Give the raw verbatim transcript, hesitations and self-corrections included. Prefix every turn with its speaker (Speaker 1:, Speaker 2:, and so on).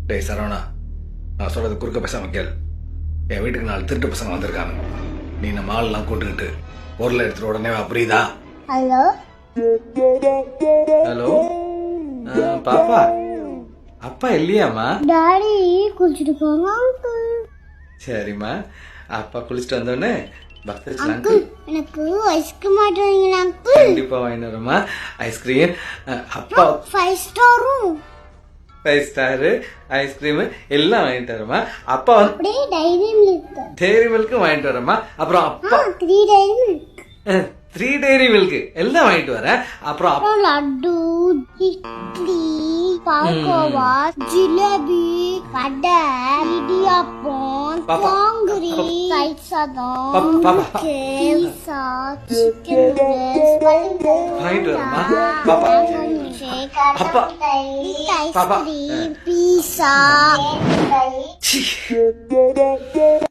Speaker 1: டேய் சரவணா, நான் சொல்றது குறுக்க பேசாம கேள். என் வீட்டுக்கு நாலு திருட்டு பசங்க வந்திருக்காங்க. நீ நம்ம ஆள்லாம் கூட்டுக்கிட்டு பொருளை எடுத்துட்டு உடனே வா, புரியுதா?
Speaker 2: ஹலோ
Speaker 1: ஹலோ பாப்பா, அப்பா இல்லையாம்மா?
Speaker 2: டாடி குளிச்சுட்டு போங்க அங்கிள்.
Speaker 1: சரிம்மா, அப்பா குளிச்சுட்டு வந்தோடனே பக்தர்
Speaker 2: அங்கிள் எனக்கு ஐஸ்கிரீம் ஆட்டுவீங்களா அங்கிள்?
Speaker 1: கண்டிப்பா வாங்கிட்டு வரமா ஐஸ்கிரீம். அப்பா
Speaker 2: ஃபைவ் ஸ்டாரும்
Speaker 1: ஃபைவ் ஸ்டாரு ஐஸ்கிரீம் எல்லாம் வாங்கிட்டு வரமா. அப்பா வந்து
Speaker 2: அப்படியே டைரி மில்க்.
Speaker 1: டெய்ரி மில்க்கும் வாங்கிட்டு வரமா. அப்புறம் அப்பா
Speaker 2: three dairy milk.
Speaker 1: Three dairy milk எல்லாம் வாங்கிட்டு வரேன். அப்புறம் அப்பா
Speaker 2: அப்புறம் லட்டு, இட்லி, பால்கோவா, ஜிலேபி, வடை, இடியாப்பம்,
Speaker 1: பாப்பா.
Speaker 2: பாங்குரி, தயிர் சாதம்,
Speaker 1: பாப்பா, பாப்பா.
Speaker 2: பீஸா, சிக்கன் நூடுல்ஸ்,
Speaker 1: வாங்கிட்டு வரமா. பாப்பா அப்பா. பாப்பா.
Speaker 2: Ice cream, pizza.
Speaker 1: சீ.